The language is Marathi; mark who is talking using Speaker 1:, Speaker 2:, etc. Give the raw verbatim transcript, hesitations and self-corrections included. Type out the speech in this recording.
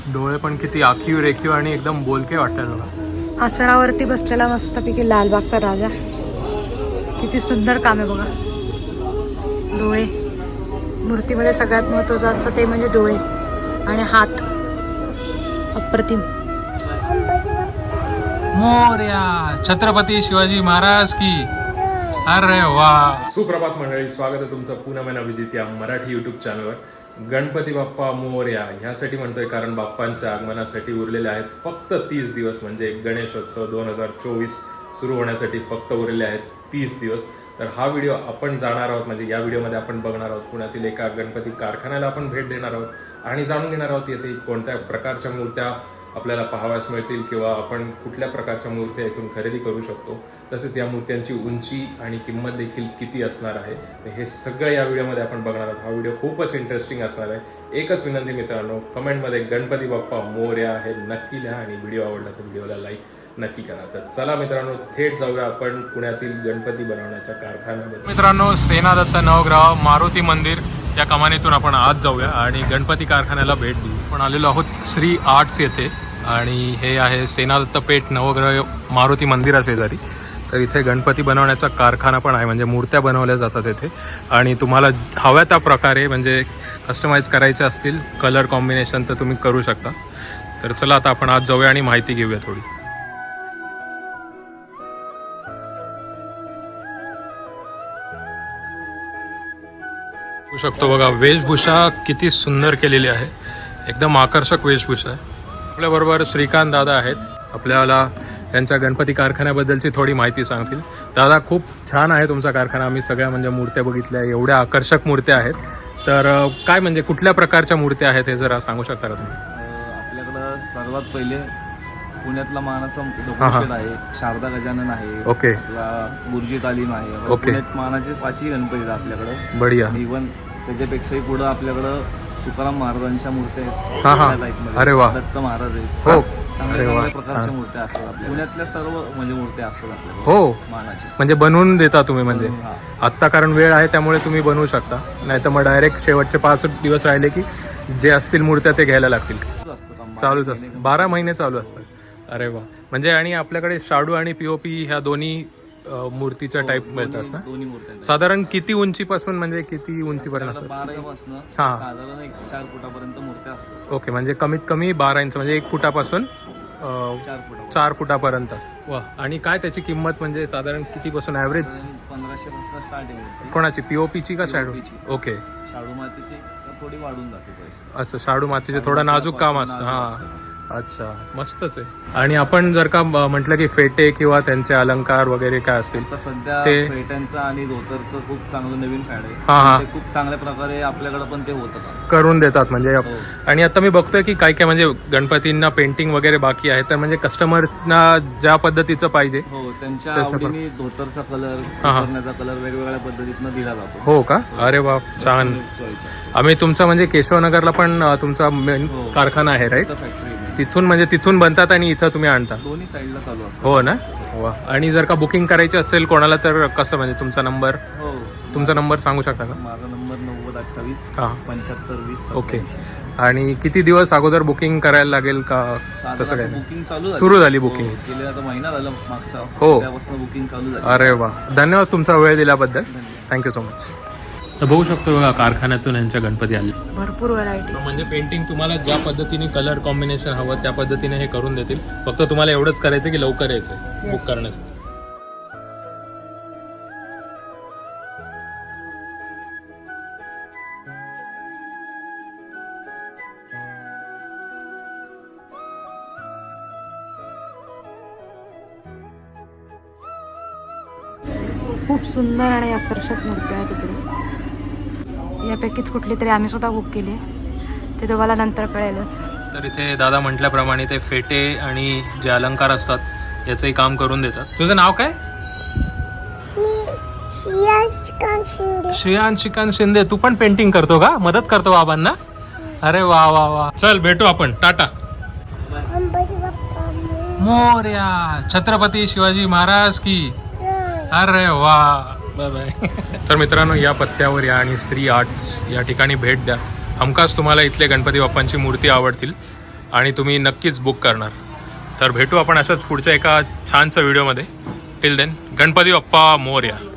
Speaker 1: डोळे पण किती आखीव रेखीव आणि एकदम बोलके वाटतात बघा.
Speaker 2: आसनावरती बसलेला मस्तपैकी लालबागचा राजा. किती सुंदर काम आहे बघा. डोळे मूर्तीमध्ये सगळ्यात महत्त्वाचं असतं ते म्हणजे डोळे आणि हात. अप्रतिम.
Speaker 1: मोरया छत्रपती शिवाजी महाराज की. अरे वा. सुप्रभात मंडळी, स्वागत आहे तुमचं पुन्हा महिना अभिजित या मराठी युट्यूब चॅनलवर. गणपती बाप्पा मोरया ह्यासाठी म्हणतोय कारण बाप्पांच्या आगमनासाठी उरलेले आहेत फक्त तीस दिवस. म्हणजे गणेशोत्सव दोन हजार चोवीस सुरू होण्यासाठी फक्त उरलेले आहेत तीस दिवस. तर हा व्हिडिओ आपण जाणार आहोत, म्हणजे या व्हिडिओमध्ये आपण बघणार आहोत पुण्यातील एका गणपती कारखान्याला आपण भेट देणार आहोत आणि जाणून घेणार आहोत येथे कोणत्या प्रकारच्या मूर्त्या आपल्याला पाहाव्यास मिळतील किंवा आपण कुठल्या प्रकारच्या मूर्त्या इथून खरेदी करू शकतो. तसेच या मूर्त्यांची उंची आणि किंमत देखील किती असणार आहे हे सगळं या व्हिडिओमध्ये आपण बघणार आहोत. हा व्हिडिओ खूपच इंटरेस्टिंग असणार आहे. एकच विनंती मित्रांनो, कमेंटमध्ये गणपती बाप्पा मोरया हे नक्की लिहा आणि व्हिडिओ आवडला तर व्हिडिओला लाईक नक्की करा. तर चला मित्रांनो, थेट जाऊया आपण पुण्यातील गणपती बनवण्याच्या कारखान्यामध्ये. मित्रांनो, सेनादत्त नवग्रह मारुती मंदिर या कमानीतून आपण आज जाऊया आणि गणपती कारखान्याला भेट देऊ. आपण आलेलो आहोत श्री आर्ट्स येथे आणि हे आहे सेनादत्त पेठ नवग्रह मारुती मंदिरा शेजारी. तर इथे गणपती बनवण्याचा कारखाना पण आहे, म्हणजे मूर्त्या बनवल्या जातात इथे आणि तुम्हाला हव्या त्या प्रकारे म्हणजे कस्टमाइज करायचे असतील कलर कॉम्बिनेशन तर तुम्ही करू शकता. तर चला आता आपण आज जाऊया आणि माहिती घेऊया थोडी. बघू शकतो बघा, वेशभूषा किती सुंदर केलेली आहे, एकदम आकर्षक वेशभूषा आहे. आपल्याबरोबर श्रीकांत दादा आहेत, आपल्याला त्यांच्या गणपती कारखान्याबद्दलची थोडी माहिती सांगतील. दादा, खूप छान आहे तुमचा कारखाना. आम्ही सगळ्या म्हणजे मूर्त्या बघितल्या, एवढ्या आकर्षक मूर्त्या आहेत. तर काय म्हणजे कुठल्या प्रकारच्या मूर्त्या आहेत हे जरा सांगू शकता का तुम्ही?
Speaker 3: आपल्याकडं सर्वात पहिले पुण्यातला मानाचा दगडूशेठ आहे, शारदा गजानन आहे,
Speaker 1: ओके,
Speaker 3: आपला गुरुजी तालीम आहे.
Speaker 1: ओके.
Speaker 3: पुण्यात मानाचे पाचही गणपती आहेत आपल्याकडं.
Speaker 1: बढिया.
Speaker 3: इव्हन त्याच्यापेक्षाही पुढं आपल्याकडं तुकाराम महाराजांच्या मूर्त्या आहेत.
Speaker 1: हा हा, अरे वा.
Speaker 3: दत्त महाराज आहेत.
Speaker 1: हो,
Speaker 3: चांगल्या चांगल्या प्रकारच्या मूर्त्या असतात आपल्या पुण्यातल्या सर्व म्हणजे मूर्त्या असतात आपल्याकडे.
Speaker 1: हो,
Speaker 3: मानाच्या
Speaker 1: म्हणजे बनवून देता तुम्ही म्हणजे
Speaker 3: हा.
Speaker 1: आत्ता कारण वेळ आहे त्यामुळे तुम्ही बनवू शकता, नाही तर मग डायरेक्ट शेवटचे पाच दिवस राहिले की जे असतील मूर्त्या ते घ्यायला लागतील.
Speaker 3: असतं काम.
Speaker 1: चालूच असतं, बारा महिने चालू असतात. अरे वा. म्हणजे आणि आपल्याकडे शाडू आणि पीओपी ह्या दोन्ही अ, मूर्तीच्या टाईप मिळतात ना?
Speaker 3: दोन्ही मूर्त्या
Speaker 1: साधारण किती उंचीपासून म्हणजे किती उंचीपर्यंत असतात?
Speaker 3: बारापासून
Speaker 1: हा.
Speaker 3: साधारण एक चार फुटापर्यंत मूर्त्या असतात.
Speaker 1: ओके, म्हणजे कमीत कमी बारा इंच म्हणजे एक फुटापासून अ,
Speaker 3: चार फुटा
Speaker 1: चार फुटापर्यंत. वा. आणि काय त्याची किंमत म्हणजे साधारण कितीपासून ॲव्हरेज?
Speaker 3: पंधराशे पासून स्टार्टिंग होते.
Speaker 1: कोणाची, पीओपीची का शाडू?
Speaker 3: पीओपीची.
Speaker 1: ओके.
Speaker 3: शाडू मातीची थोडी वाढून जाते पैसे.
Speaker 1: अच्छा, शाडू मातीचे थोडं नाजूक काम असतं. हां, अच्छा, मस्तच आहे. आणि आपण जर का म्हटलं की फेटे किंवा त्यांचे अलंकार वगैरे काय असतील
Speaker 3: आता सध्या
Speaker 1: ते-
Speaker 3: फेट्यांचं आणि धोतरचं खूप चांगलं नवीन फॅड आहे.
Speaker 1: हा, हा.
Speaker 3: ते खूप चांगल्या प्रकारे आपल्याकडे पण ते होतं का
Speaker 1: करून देतात म्हणजे.
Speaker 3: हो.
Speaker 1: आणि आता मी बघतोय की काय काय म्हणजे गणपतींना पेंटिंग वगैरे बाकी आहे, तर म्हणजे कस्टमरना ज्या पद्धतीचं पाहिजे.
Speaker 3: हो, त्यांच्या
Speaker 1: तसं पण-
Speaker 3: आवडीने धोतरचा कलर,
Speaker 1: हा, हा.
Speaker 3: करण्याचा कलर वेगवेगळ्या पद्धतीनं दिला जातो.
Speaker 1: हो का? अरे वा, छान.
Speaker 3: चॉईस असते.
Speaker 1: आम्ही तुमचा म्हणजे केशवनगरला पण अ, तुमचा मेन
Speaker 3: हो.
Speaker 1: कारखाना आहे, राईट?
Speaker 3: फॅक्टरी
Speaker 1: तिथून म्हणजे तिथून बनतात आणि इथं तुम्ही आणता?
Speaker 3: दोन्ही साईडला चालू असतं.
Speaker 1: हो ना? वा. आणि जर का बुकिंग करायची असेल कोणाला तर कसं, म्हणजे तुमचा नंबर
Speaker 3: हो,
Speaker 1: तुमचा नंबर सांगू शकता का?
Speaker 3: माझा नंबर नव्वद अठ्ठावीस
Speaker 1: हा.
Speaker 3: पंच्याहत्तर वीस.
Speaker 1: ओके. आणि किती दिवस अगोदर बुकिंग करायला लागेल का? तसं काय?
Speaker 3: बुकिंग चालू
Speaker 1: सुरू झाली बुकिंग?
Speaker 3: गेले आता महिना झाला मागचा.
Speaker 1: हो.
Speaker 3: त्यापासून बुकिंग चालू झाली.
Speaker 1: अरे वा, धन्यवाद तुमचा वेळ दिल्याबद्दल. Thank you so much. तर बघू शकतो बघा, कारखान्यातून यांच्या गणपती आले.
Speaker 2: भरपूर व्हरायटी.
Speaker 1: म्हणजे पेंटिंग तुम्हाला ज्या पद्धतीने कलर कॉम्बिनेशन हवं त्या पद्धतीने हे करून देतील. फक्त तुम्हाला एवढंच करायचं की लवकर यायचं बुक करण्यासाठी.
Speaker 2: खूप सुंदर आणि आकर्षक मूर्ती आहे तिकडे. यापैकीच कुठली तरी आम्ही सुद्धा बुक केली, ते तुम्हाला नंतर कळेलच.
Speaker 1: तर इथे दादा म्हटल्याप्रमाणे ते फेटे आणि जे अलंकार असतात याचंही काम करून देतात. तुझं नाव काय? श्रेयांश श्रीकांत शिंदे. तू पण पेंटिंग करतो का? मदत करतो बाबांना? अरे वा वा वा. चल भेटू आपण. टाटा. मोरया छत्रपती शिवाजी महाराज की. अरे वा, बाय बाय. तर मित्रांनो, या पत्त्यावर या आणि श्री आर्ट्स या ठिकाणी भेट द्या. हमखास तुम्हाला इथले गणपती बाप्पांची मूर्ती आवडतील. आणि तुम्ही नक्कीच बुक करणार. तर भेटू आपण अशाच पुढच्या एका छानसा व्हिडिओमध्ये. टिल देन गणपती बाप्पा मोरया.